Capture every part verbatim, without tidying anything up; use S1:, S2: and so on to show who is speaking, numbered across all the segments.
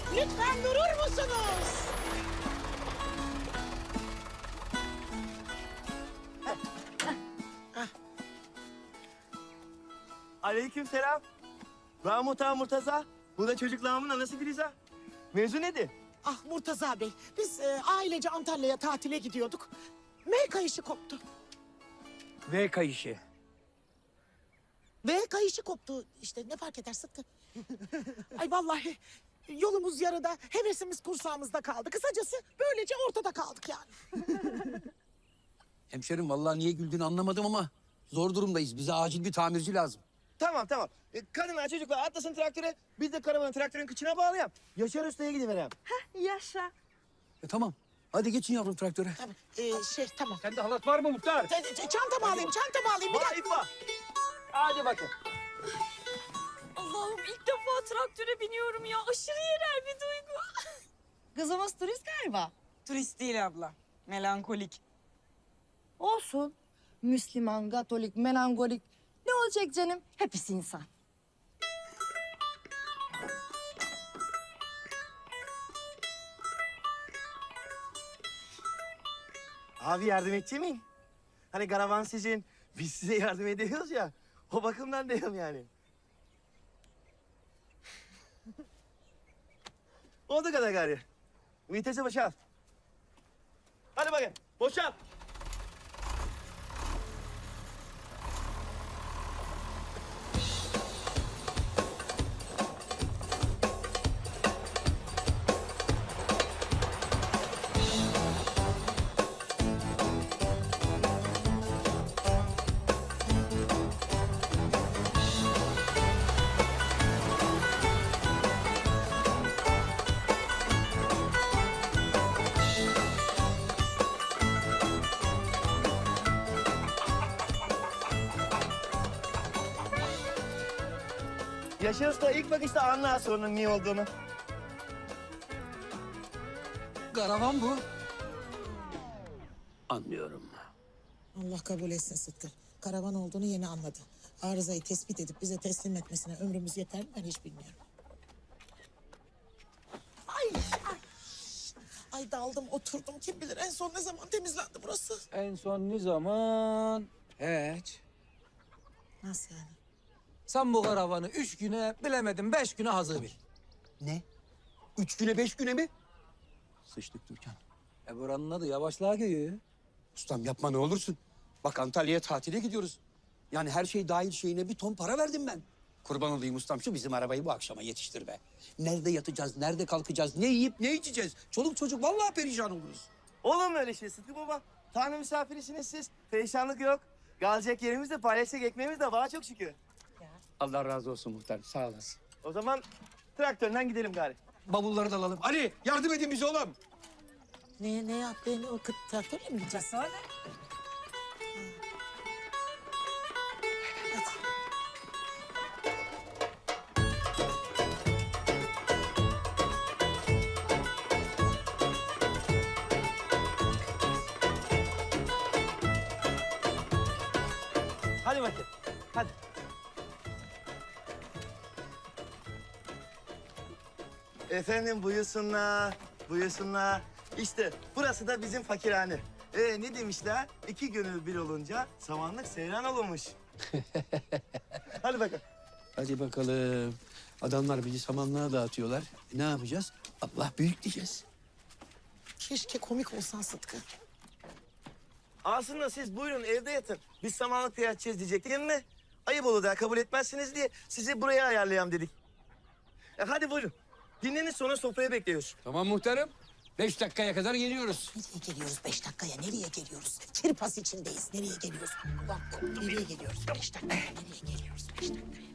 S1: Lütfen durur musunuz?
S2: Aleykümselam. Ben Muhtar Murtaza. Bu da çocuklarımın anası Filiza. Mevzu nedir?
S1: Ah Murtaza Bey, biz e, ailece Antalya'ya tatile gidiyorduk. M kayışı koptu.
S3: V kayışı.
S1: V kayışı koptu. İşte ne fark eder Sıtkı? Ay vallahi yolumuz yarıda, hevesimiz kursağımızda kaldı. Kısacası böylece ortada kaldık yani.
S3: Hemşerim vallahi niye güldüğünü anlamadım ama zor durumdayız. Bize acil bir tamirci lazım.
S2: Tamam tamam. E, kadınlar çocuklar atlasın traktöre. Biz de karavanı traktörün kıçına bağlayalım. Yaşar Usta'ya gidiverem.
S4: Yaşa.
S3: E tamam. Hadi geçin yavrum traktöre.
S1: Tamam, e, şey tamam.
S3: Sende halat var mı muhtar?
S1: E, e, Çantamı alayım, çantamı alayım. Bir
S2: Var
S1: dakika.
S2: ip var. Hadi bakın.
S4: Allah'ım ilk defa traktöre biniyorum ya. Aşırı yerel bir duygu.
S5: Kızımız turist galiba.
S6: Turist değil abla. Melankolik.
S5: Olsun. Müslüman, Katolik, melankolik. Ne olacak canım? Hepsi insan.
S2: Abi yardım edecek miyim? Hani karavan sizin, biz size yardım ediyoruz ya. O bakımdan diyorum yani. Oldu kadar gari. Vitesi boşalt. Hadi bakayım, boşalt. Yaşar Usta ilk bakışta anlar sorunun niye olduğunu.
S3: Karavan bu. Anlıyorum.
S1: Allah kabul etsin Sıtkı. Karavan olduğunu yeni anladı. Arızayı tespit edip bize teslim etmesine ömrümüz yeter mi ben hiç bilmiyorum. Ay, ay. Ay daldım oturdum kim bilir en son ne zaman temizlendi burası.
S3: En son ne zaman? Hiç.
S1: Nasıl yani?
S3: Sen bu karavanı üç güne bilemedim beş güne hazır bil.
S7: Ne? Üç güne beş güne mi?
S3: Sıçtık Türkan. E buranın adı yavaşlığa geliyor.
S7: Ustam yapma ne olursun. Bak Antalya'ya tatile gidiyoruz. Yani her şey dahil şeyine bir ton para verdim ben. Kurban olayım ustam şu bizim arabayı bu akşama yetiştir be. Nerede yatacağız, nerede kalkacağız, ne yiyip ne içeceğiz? Çoluk çocuk vallahi perişan oluruz.
S2: Olur mu öyle şey Sıtkı Baba? Tanrı misafirisiniz siz. Perişanlık yok. Kalacak yerimiz de paylaşacak ekmeğimiz de var çok şükür.
S7: Allah razı olsun muhtar sağ olasın.
S2: O zaman traktörden gidelim gari.
S7: Bavulları da alalım. Ali yardım edin bize oğlum.
S1: Ne, ne yaptı? Ne, o kıt traktörle mi gideceğiz? Hadi.
S2: Hadi bakayım. Hadi. Efendim buyursunlar, buyursunlar. İşte burası da bizim fakirhane. Ee, ne demişler? İki gönül bir olunca samanlık seyran olunmuş. Hadi bakalım.
S7: Hadi bakalım. Adamlar bizi samanlığa dağıtıyorlar. E, ne yapacağız? Allah büyük diyeceğiz.
S1: Keşke komik olsan Sıtkı.
S2: Aslında siz buyurun evde yatın. Biz samanlıkta yatacağız diyecektik değil mi? Ayıp olur da kabul etmezsiniz diye sizi buraya ayarlayalım dedik. E, hadi buyurun. Dinlenin sonra sofraya bekliyoruz.
S7: Tamam muhtarım. Beş dakikaya kadar geliyoruz.
S1: Nereye geliyoruz beş dakikaya? Nereye geliyoruz? Kirpas içindeyiz. Nereye geliyoruz? Ulan nereye geliyoruz? Beş dakikaya. Nereye geliyoruz? Beş dakikaya.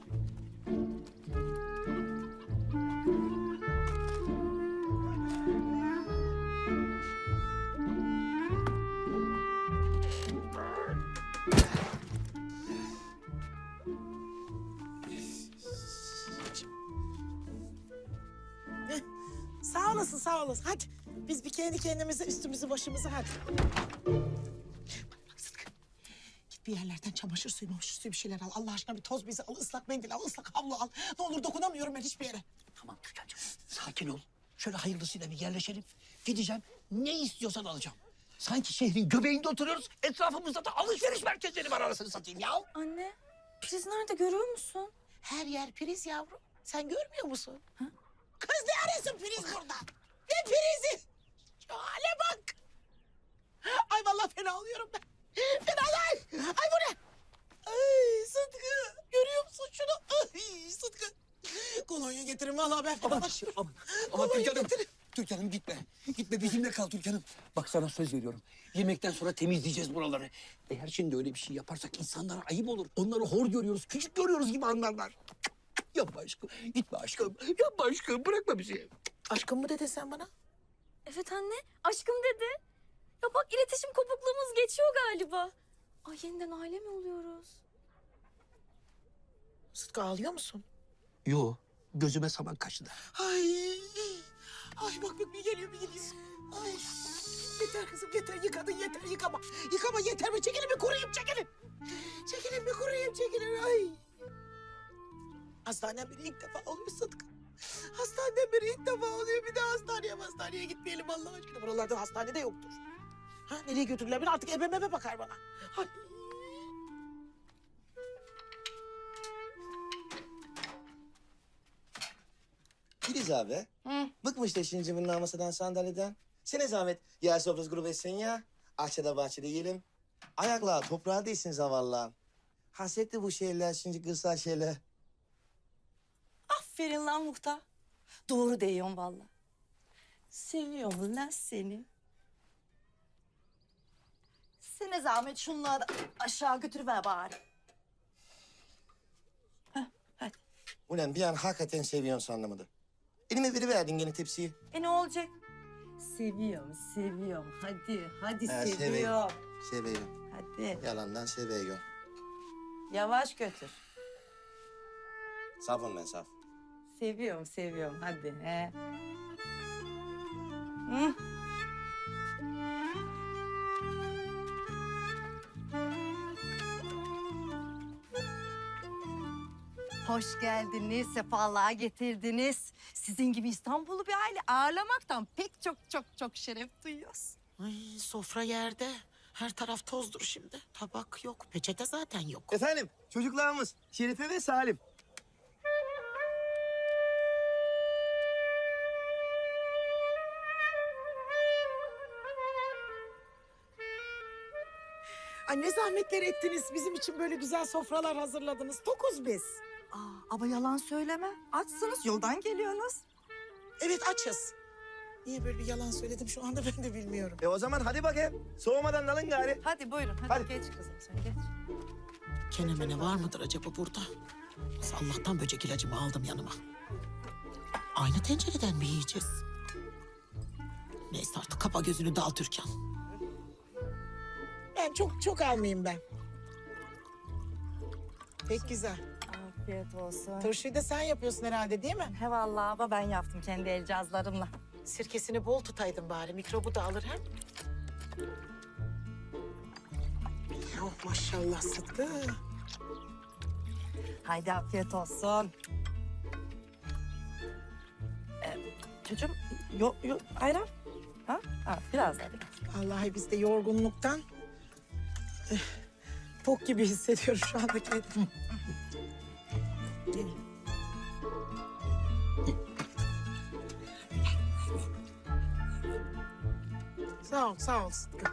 S1: Heh, Sağ olasın, sağ olasın. Hadi biz bir kendi kendimize üstümüzü başımızı hadi. Bak, bak Sıtkı. Git bir yerlerden çamaşır suyu, çamaşır suyu bir şeyler al. Allah aşkına bir toz bezi al, ıslak mendil al, ıslak havlu al. Ne olur dokunamıyorum ben hiçbir yere.
S7: Tamam Türkan'cığım sakin ol.
S3: Şöyle hayırlısıyla bir yerleşelim. Gideceğim. Ne istiyorsan alacağım. Sanki şehrin göbeğinde oturuyoruz. Etrafımızda da alışveriş merkezleri var anasını satayım ya.
S4: Anne, priz nerede görüyor musun?
S1: Her yer priz yavrum. Sen görmüyor musun? Kız ne arasın priz burada? Ne prizi? Şu hale bak. Ay vallahi fena oluyorum ben. Fenalar. Ay bu ne? Ay Sıtkı. Görüyor musun şunu? Ay Sıtkı. Kolonya getirin vallahi ben fenalaşıyorum.
S3: Aman, aman
S1: Kolonya
S3: Türkan'ım.
S1: getirin.
S3: Türkan'ım gitme. Gitme bizimle kal Türkan'ım. Bak sana söz veriyorum. Yemekten sonra temizleyeceğiz buraları. Eğer şimdi öyle bir şey yaparsak insanlara ayıp olur. Onları hor görüyoruz, küçük görüyoruz gibi anlarlar. Yapma aşkım. Gitme aşkım. Yapma aşkım. Bırakma bizi.
S1: Aşkım mı dedin sen bana?
S4: Evet anne, aşkım dedi. Ya bak iletişim kopukluğumuz geçiyor galiba. Ay yeniden aile mi oluyoruz?
S1: Sıtkı ağlıyor musun?
S3: Yo. Gözüme saman kaçtı.
S1: Ay. Ay bak bak bir geliyor bir geliyor. Ay. Yeter kızım yeter yıkadın yeter yıkama. Yıkama yeter mi? Çekilin bir kuruyayım çekilin. Çekilin bir kuruyayım çekilin ay. Hastaneden beri ilk defa oluyor Sıtkı. Hastaneden beri ilk defa oluyor. Bir daha hastaneye hastaneye gitmeyelim Allah aşkına. Buralarda hastane de yoktur. Ha nereye götürürler beni artık ebe mebe bakar bana. Ay.
S2: Filiz abi.
S5: Hı.
S2: Bıkmış da şimdi cıvırından masadan sandalyeden. Sene zahmet yer sofrası grubu etsin ya. Ahçede bahçede yiyelim. Ayakla toprağa değsin zavallağın. Hasretli bu şeyler şimdi kırsal şeyler.
S8: Aferin lan muhtar. Doğru diyorsun valla. Seviyorum lan seni.
S5: Sene zahmet şunları da aşağı götürüver bari.
S2: Ulan bir an hakikaten seviyorsun anlamadı. Elime veriverdin gene tepsiyi.
S8: E ne olacak? Seviyorum, seviyorum. Hadi, hadi
S2: Ha,
S8: seviyorum.
S2: Seviyorum.
S8: Hadi.
S2: Yalandan seviyorum.
S8: Yavaş götür.
S2: Safım ben saf.
S8: Seviyorum, seviyorum. Hadi. He. Hı.
S5: Hoş geldiniz, sefalığa getirdiniz. Sizin gibi İstanbul'u bir aile ağırlamaktan pek çok çok çok şeref duyuyoruz.
S1: Ay sofra yerde. Her taraf tozdur şimdi. Tabak yok, peçete zaten yok.
S2: Efendim çocuklarımız Şerife ve Salim.
S1: Ay ne zahmetler ettiniz. Bizim için böyle güzel sofralar hazırladınız. Tokuz biz.
S5: Aa, ama yalan söyleme. Açsınız, yoldan geliyorsunuz.
S1: Evet açız. Niye böyle bir yalan söyledim şu anda ben de bilmiyorum.
S2: E o zaman hadi bakayım. Soğumadan alın gari.
S5: Hadi buyurun, hadi,
S2: Hadi.
S5: geç kızım sen geç.
S1: Kenemene var mıdır acaba burada? Nasıl Allah'tan böcek ilacımı aldım yanıma. Aynı tencereden mi yiyeceğiz? Neyse artık kapa gözünü dal Türkan. Ben çok çok almayayım ben. Pek güzel.
S5: Afiyet olsun.
S1: Turşuyu da sen yapıyorsun herhalde değil mi?
S5: He vallahi ama ben yaptım kendi el cihazlarımla.
S1: Sirkesini bol tutaydın bari. Mikrobu da alır hem. Oh maşallah Sıtkı.
S5: Haydi afiyet olsun. Ee, çocuğum, yok yok ayran. Ha? Ha, biraz daha biraz.
S1: Vallahi biz de yorgunluktan eh, tok gibi hissediyorum şu anda kendimi. Sağ ol, sağ ol Sıtkı.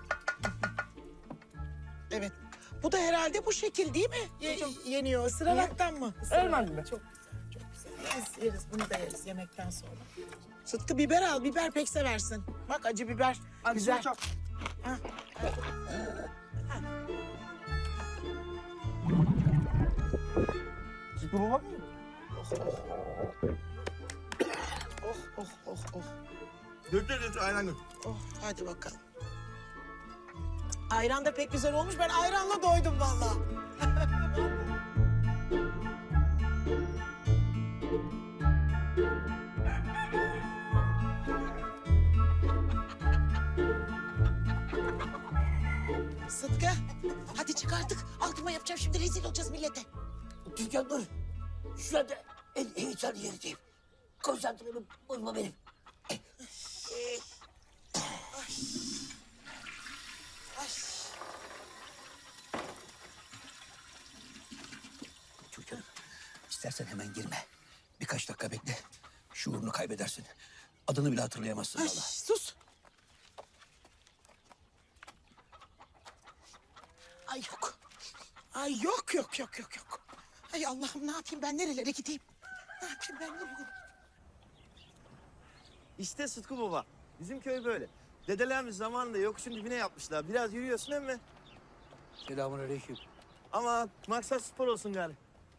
S1: Evet. Bu da herhalde bu şekil değil mi? Ye- yeniyor. Isıraraktan mı? Isırarak. Çok güzel, çok güzel. Yeriz, yeriz. Bunu da yeriz yemekten sonra. Sıtkı biber al. Biber pek seversin. Bak acı biber. Güzel.
S2: çok.
S1: Ha.
S2: Sıkı baba mı?
S1: Oh, oh, oh, oh.
S2: Götür götür ayran götür.
S1: Oh, hadi bakalım. Ayran da pek güzel olmuş. Ben ayranla doydum vallahi. Sıtkı, hadi çık artık. Altıma yapacağım şimdi rezil olacağız millete.
S3: Türkan dur. Şu anda en heyecanlı yerdeyim. Konsantremi bozma benim.
S1: Ee, ay. Ay.
S3: Çocuğum, istersen hemen girme. Birkaç dakika bekle. Şuurunu kaybedersin. Adını bile hatırlayamazsın
S1: Ay,
S3: valla.
S1: sus. Ay yok. Ay yok yok yok yok yok. Ay Allah'ım ne yapayım ben nerelere gideyim? Ne yapayım ben nerelere gideyim?
S2: İşte Sıtkı Baba. Bizim köy böyle. Dedelerimiz zamanında yokuşun dibine yapmışlar. Biraz yürüyorsun değil mi?
S3: Selamünaleyküm.
S2: Ama maksat spor olsun gari.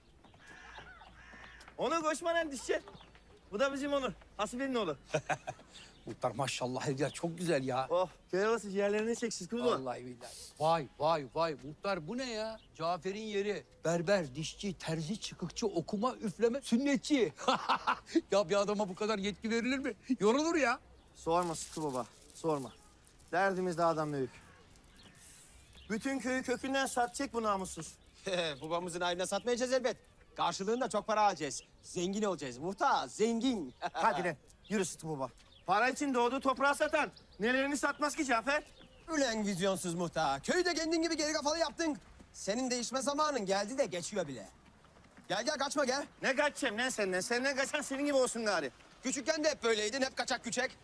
S2: Onu koşmadan düşecek. Bu da bizim Onur. Hasibe'nin oğlu.
S3: Muhtar maşallah her yer çok güzel ya.
S2: Oh, köy havası ciğerlerini çek Sıtkı Baba.
S3: Vallahi billahi. Vay vay vay muhtar bu ne ya? Cafer'in yeri. Berber, dişçi, terzi, çıkıkçı, okuma, üfleme, sünnetçi. Ya bir adama bu kadar yetki verilir mi? Yorulur ya.
S2: Sorma Sıtkı Baba, sorma. Derdimiz dağdan büyük. Bütün köyü kökünden satacak bu namussuz.
S9: Babamızın ayrına satmayacağız elbet. Karşılığında çok para alacağız. Zengin olacağız. Muhtar, zengin.
S2: Hadi lan, yürü Sıtkı Baba. Para için doğduğu toprağı satan nelerini satmaz ki Cafer?
S9: Ulan vizyonsuz muhtar. Köyü de kendin gibi geri kafalı yaptın. Senin değişme zamanın geldi de geçiyor bile. Gel gel kaçma gel.
S2: Ne kaçacağım lan senden? Senden kaçan senin gibi olsun gari.
S9: Küçükken de hep böyleydin. Hep kaçak küçek.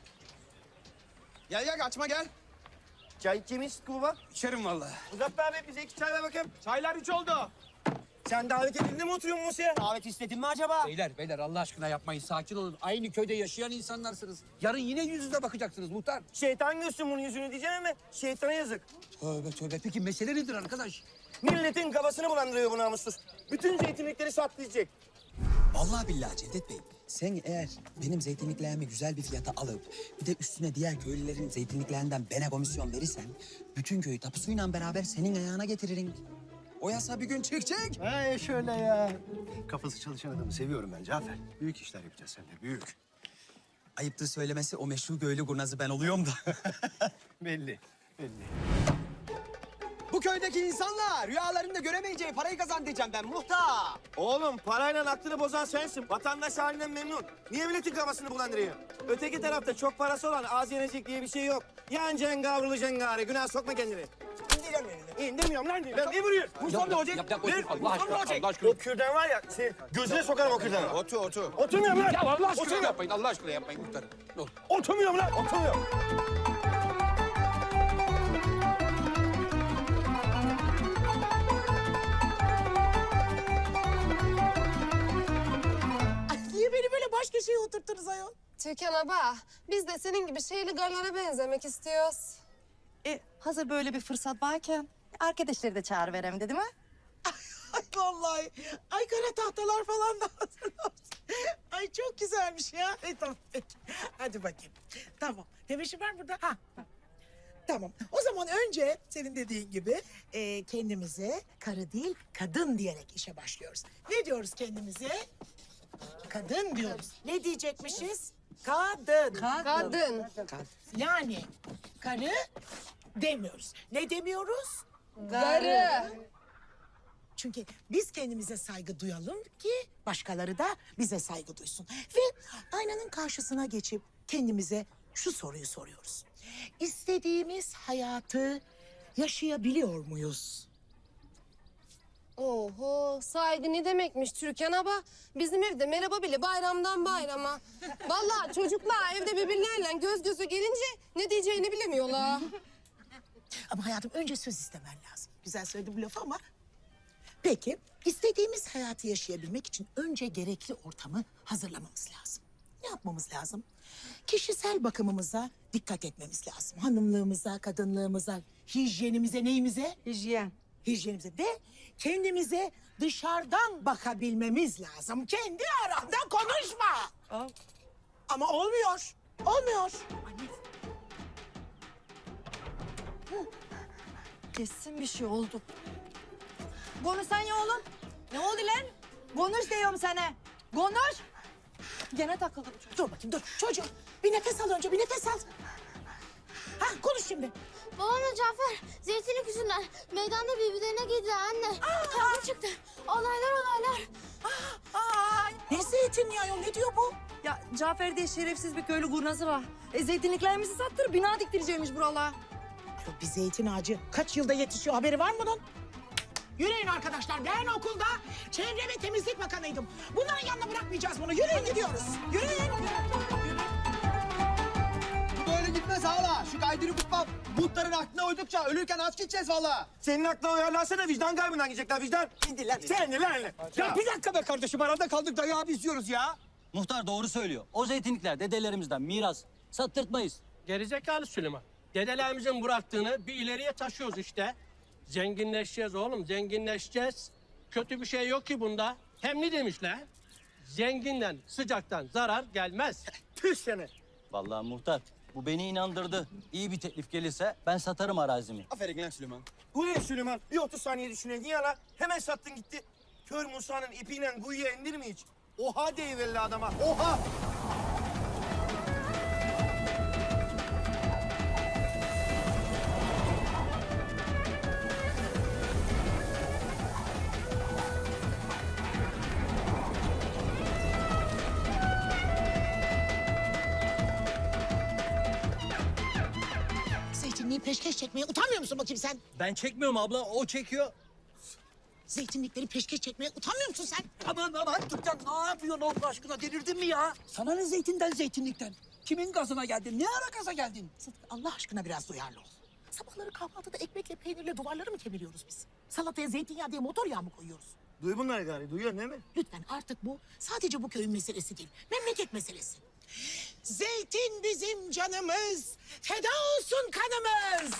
S9: Gel gel kaçma gel.
S2: Çay içeyim mi Sıtkı Baba?
S3: İçerim vallahi.
S2: Uzat be abi, bize iki çay ver bakayım.
S9: Çaylar üç oldu.
S2: Sen davet edildi mi oturuyorsun Musa?
S9: Davet istedin mi acaba?
S3: Beyler beyler Allah aşkına yapmayın sakin olun. Aynı köyde yaşayan insanlarsınız. Yarın yine yüz yüze bakacaksınız muhtar.
S2: Şeytan görsün bunun yüzünü diyeceğim ama şeytana yazık.
S3: Tövbe tövbe peki mesele nedir arkadaş?
S2: Milletin kafasını bulandırıyor bu namussuz. Bütün zeytinlikleri satlayacak.
S10: Vallahi billahi Cevdet Bey, sen eğer benim zeytinliklerimi güzel bir fiyata alıp bir de üstüne diğer köylülerin zeytinliklerinden bana komisyon verirsen bütün köyü tapusuyla beraber senin ayağına getiririm. O yasa bir gün çıkacak.
S11: Ha şöyle ya. Kafası çalışan adamı seviyorum ben Cafer. Büyük işler yapacağız seninle, büyük.
S10: Ayıptır söylemesi o meşhur köylü kurnazı ben oluyorum da.
S11: Belli, belli.
S9: Bu köydeki insanlar rüyalarında göremeyeceği parayı kazan diyeceğim ben muhtar.
S2: Oğlum parayla aklını bozan sensin. Vatandaş halinden memnun. Niye milletin kafasını bulandırıyor? Öteki tarafta çok parası olan az yenecek diye bir şey yok. Yanacaksın kavrulacaksın gari. Günah sokma kendini. İndiremiyorum elini. İndirmiyorum lan. Lan niye vuruyorsun? Vursam ne olacak?
S3: Yap, yap,
S2: Ver.
S3: otur. Allah
S2: Vursam
S3: aşkına,
S2: ne olacak?
S3: Allah aşkına.
S2: O kürdan var ya, şey, gözüne sokarım o kürdanı.
S9: Otur otur.
S2: Oturmuyorum lan.
S3: Ya Allah aşkına
S2: Oturmuyorum.
S3: yapmayın Allah aşkına yapmayın muhtar. Ne olur.
S2: Oturmuyorum lan. Oturmuyorum.
S1: Ay niye beni böyle baş köşeye oturttunuz ayol?
S12: Türkan abla, biz de senin gibi şeyli garlara benzemek istiyoruz.
S5: E, hazır böyle bir fırsat varken arkadaşları da çağırıverem dedi mi?
S1: Ay vallahi. Ay kara tahtalar falan da hazırlamış. Ay çok güzelmiş ya. E, tamam peki. Hadi bakayım. Tamam. Tebeşir var burada. Ha. Tamam. O zaman önce senin dediğin gibi e, kendimize karı değil kadın diyerek işe başlıyoruz. Ne diyoruz kendimize? Kadın diyoruz. Ne diyecekmişiz? Kadın.
S12: Kadın.
S1: Yani karı demiyoruz. Ne demiyoruz?
S12: Garı.
S1: Çünkü biz kendimize saygı duyalım ki başkaları da bize saygı duysun. Ve aynanın karşısına geçip kendimize şu soruyu soruyoruz. İstediğimiz hayatı yaşayabiliyor muyuz?
S12: Oho, saygı ne demekmiş Türkan abla? Bizim evde merhaba bile bayramdan bayrama. Vallahi çocuklar evde birbirlerine göz göze gelince ne diyeceğini bilemiyorlar.
S1: Ama hayatım önce söz istemen lazım. Güzel söyledim bu lafı ama... Peki, istediğimiz hayatı yaşayabilmek için önce gerekli ortamı hazırlamamız lazım. Ne yapmamız lazım? Kişisel bakımımıza dikkat etmemiz lazım. Hanımlığımıza, kadınlığımıza, hijyenimize, neyimize?
S5: Hijyen.
S1: Hijyenimize de kendimize dışarıdan bakabilmemiz lazım. Kendi aranda konuşma.
S5: Aa.
S1: Ama olmuyor, olmuyor.
S5: Kesin bir şey oldu. Konuşsan ya oğlum. Ne oldu lan? Konuş diyorum sana. Konuş. Gene takıldı bu çocuk.
S1: Dur bakayım dur. Çocuğum bir nefes al önce bir nefes al. Ha konuş şimdi.
S13: Babamla Cafer zeytinlik yüzünden meydanda birbirlerine girdiler anne. Kavga çıktı. Olaylar olaylar.
S1: Ay Ne zeytinyağı ayol, ne diyor bu?
S5: Ya Cafer diye şerefsiz bir köylü kurnazı var. E, zeytinliklerimizi sattırıp bina diktireceğimiş buralara.
S1: Ayol, bir zeytin ağacı kaç yılda yetişiyor, haberi var mı bunun? Yürüyün arkadaşlar, ben okulda çevre ve temizlik bakanıydım. Bunların yanına bırakmayacağız bunu. Yürüyün gidiyoruz. Yürüyün.
S9: Bu böyle gitmez hala. Şu kaydırı kutma muhtarın aklına uydukça ölürken aç gideceğiz valla.
S2: Senin aklına uyarlarsana vicdan kaybından gidecekler vicdan. İndir lan. Sen de lan.
S3: Ya bir dakika be kardeşim, arada kaldık da ya biz diyoruz ya.
S14: Muhtar doğru söylüyor. O zeytinlikler dedelerimizden miras. Sattırtmayız.
S15: Gerizekalı Süleyman. Dedelerimizin bıraktığını bir ileriye taşıyoruz işte. Zenginleşeceğiz oğlum, zenginleşeceğiz. Kötü bir şey yok ki bunda. Hem ne demişler? Zenginden, sıcaktan zarar gelmez.
S2: Tüh seni.
S14: Vallahi muhtar bu beni inandırdı. İyi bir teklif gelirse ben satarım arazimi.
S9: Aferin lan Süleyman.
S2: Bu ne Süleyman? Bir otuz saniye düşünün. Niye lan? Hemen sattın gitti. Kör Musa'nın ipiyle kuyuya indir mi hiç? Oha deyiverli adama. Oha!
S1: Zeytinliği peşkeş çekmeye utanmıyor musun bakayım sen?
S14: Ben çekmiyorum abla, o çekiyor.
S1: Zeytinlikleri peşkeş çekmeye utanmıyor musun sen?
S3: Aman aman Türkan, ne yapıyorsun Allah aşkına, delirdin mi ya? Sana ne zeytinden zeytinlikten? Kimin gazına geldin? Ne ara gaza geldin?
S1: Sıtkı, Allah aşkına biraz duyarlı ol. Sabahları kahvaltıda ekmekle peynirle duvarları mı kemiriyoruz biz? Salataya zeytinyağı diye motor yağı mı koyuyoruz?
S2: Duy bunları gari. Duyuyorsun değil mi?
S1: Lütfen artık bu sadece bu köyün meselesi değil. Memleket meselesi. Zeytin bizim canımız. Feda olsun kanımız.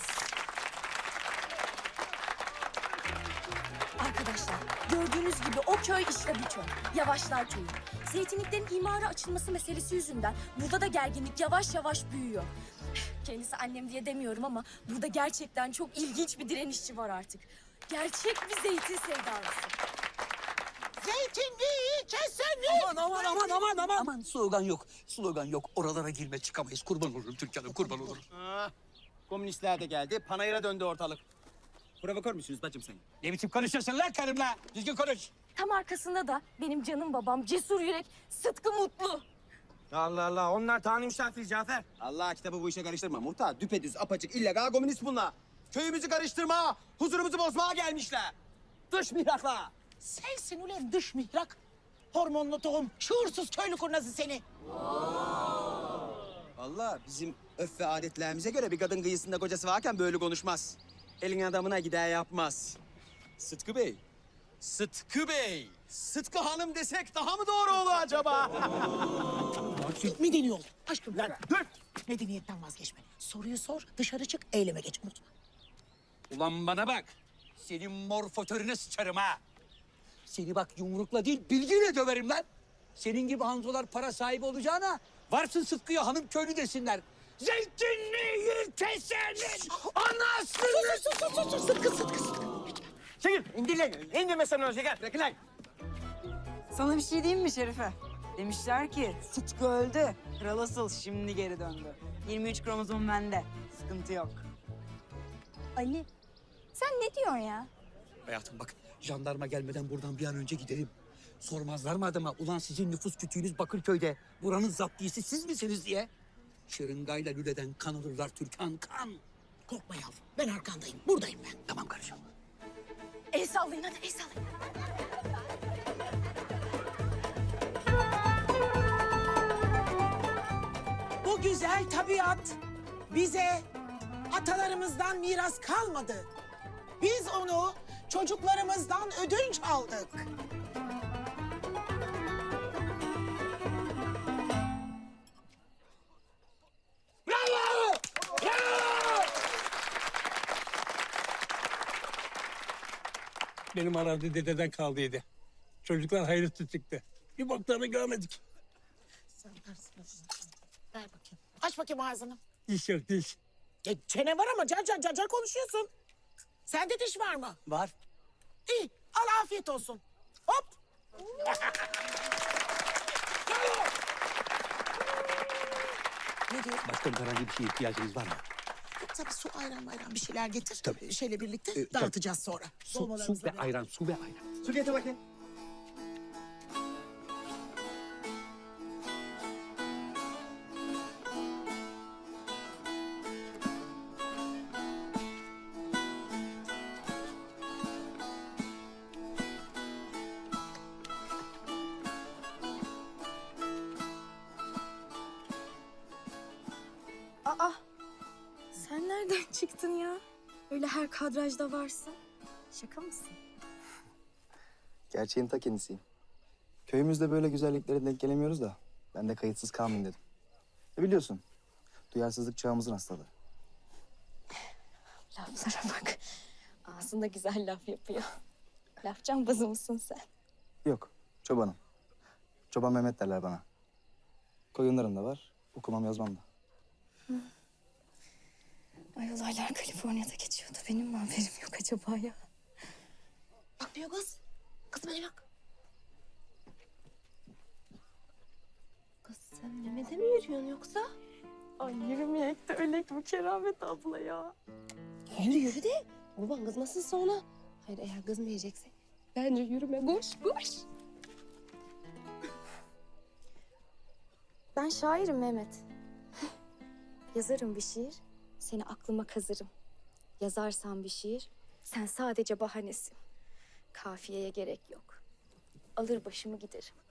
S4: Arkadaşlar gördüğünüz gibi o köy işte bu köy. Yavaşlar köyü. Zeytinliklerin imara açılması meselesi yüzünden burada da gerginlik yavaş yavaş büyüyor. Kendisi annem diye demiyorum ama burada gerçekten çok ilginç bir direnişçi var artık. Gerçek bir zeytin sevdalısı.
S1: Zeytinliği kesenlik.
S3: Aman aman aman aman aman. Aman slogan yok, slogan yok. Oralara girme çıkamayız. Kurban olurum Türkan'ım, kurban olurum.
S9: Ah, komünistler de geldi. Panayır'a döndü ortalık. Provokör müsünüz bacım sen?
S3: Ne biçim konuşuyorsun lan karımla? Düzgün konuş.
S4: Tam arkasında da benim canım babam cesur yürek Sıtkı Mutlu.
S2: Allah Allah. Onlar Tanrı misafir Cafer.
S9: Allah kitabı bu işe karıştırma. Muhtar düpedüz apaçık illegal komünist bunlar. Köyümüzü karıştırma, huzurumuzu bozmaya gelmişler. Dış mihrakla.
S1: Sensin ulan dış mihrak. Hormonlu tohum, şuursuz köylü kurnazı seni.
S9: Vallahi bizim öf ve adetlerimize göre bir kadın kıyısında kocası varken böyle konuşmaz. Elin adamına gider yapmaz. Sıtkı Bey. Sıtkı Bey. Sıtkı Hanım desek daha mı doğru olur acaba?
S1: Medeni ol. Aşkım lan dur. Medeniyetten vazgeçme. Soruyu sor, dışarı çık, eyleme geç. Unutma.
S3: Ulan bana bak. Senin mor fotörüne sıçarım ha. Seni bak yumrukla değil, bilgiyle döverim lan. Senin gibi hanzolar para sahibi olacağına varsın Sıtkı'ya hanım köylü desinler. Zeytinliği kesenin anasını...
S1: Sus sus sus sus sus Sıtkı Sıtkı Sıtkı.
S2: Çekil. İndir lan. İndirme sen onu şeker. Bırakın lan.
S6: Sana bir şey diyeyim mi Şerife? Demişler ki Sıtkı öldü. Kral asıl şimdi geri döndü. yirmi üç kromozom bende. Sıkıntı yok.
S4: Ali sen ne diyorsun ya?
S3: Hayatım bak, jandarma gelmeden buradan bir an önce gidelim. Sormazlar mı adama, ulan sizin nüfus kütüğünüz Bakırköy'de, buranın zaptiyesi siz misiniz diye? Şırıngayla lüleden kan alırlar Türkan, kan.
S1: Korkma yavrum, ben arkandayım. Buradayım ben.
S3: Tamam karıcığım.
S4: El sallayın hadi el sallayın.
S1: Bu güzel tabiat bize atalarımızdan miras kalmadı. Biz onu çocuklarımızdan ödünç aldık.
S3: Bravo! Bravo!
S15: Benim arazi dededen kaldıydı. Çocuklar hayırlısı çıktı. Bir boklarını görmedik.
S1: Sen versin. Ver bakayım. Aç bakayım ağzını.
S15: Diş yok diş.
S1: E, çene var ama car car car car konuşuyorsun. Sende diş var mı?
S14: Var.
S1: İyi, al afiyet olsun. Hop. Ne diyor?
S3: Başka herhangi bir şeye ihtiyacınız var mı?
S1: Tabii su, ayran ayran bir şeyler getir.
S3: Tabii.
S1: Şeyle birlikte
S3: Ee,
S1: dağıtacağız sonra.
S3: Su, su
S1: Dolmalarımızla
S3: ve
S1: birlikte.
S3: ayran, su ve ayran.
S9: Su getir bakayım.
S4: çıktın ya? Öyle her kadrajda varsın. Şaka mısın?
S2: Gerçeğin ta kendisiyim. Köyümüzde böyle güzelliklere denk gelemiyoruz da ben de kayıtsız kalmayayım dedim. E biliyorsun, duyarsızlık çağımızın hastalığı.
S4: Laflara bak. Ağzında güzel laf yapıyor. Laf cambazı mısın sen?
S2: Yok, çobanım. Çoban Mehmet derler bana. Koyunlarım da var, okumam yazmam da.
S4: Ay olaylar Kaliforniya'da geçiyordu. Benim mi haberim yok acaba ya?
S12: Bakmıyor kız. Kız bana bak. Kız sen Mehmet'e mi yürüyorsun yoksa?
S4: Ay yürümeyek de ölek bu Keramet abla ya.
S12: Yürü yürü de baban kızmasın sonra. Hayır eğer kızmayacaksa bence yürüme koş koş.
S4: Ben şairim Mehmet. Yazarım bir şiir, seni aklıma kazırım. Yazarsam bir şiir, sen sadece bahanesin. Kafiyeye gerek yok. Alır başımı giderim.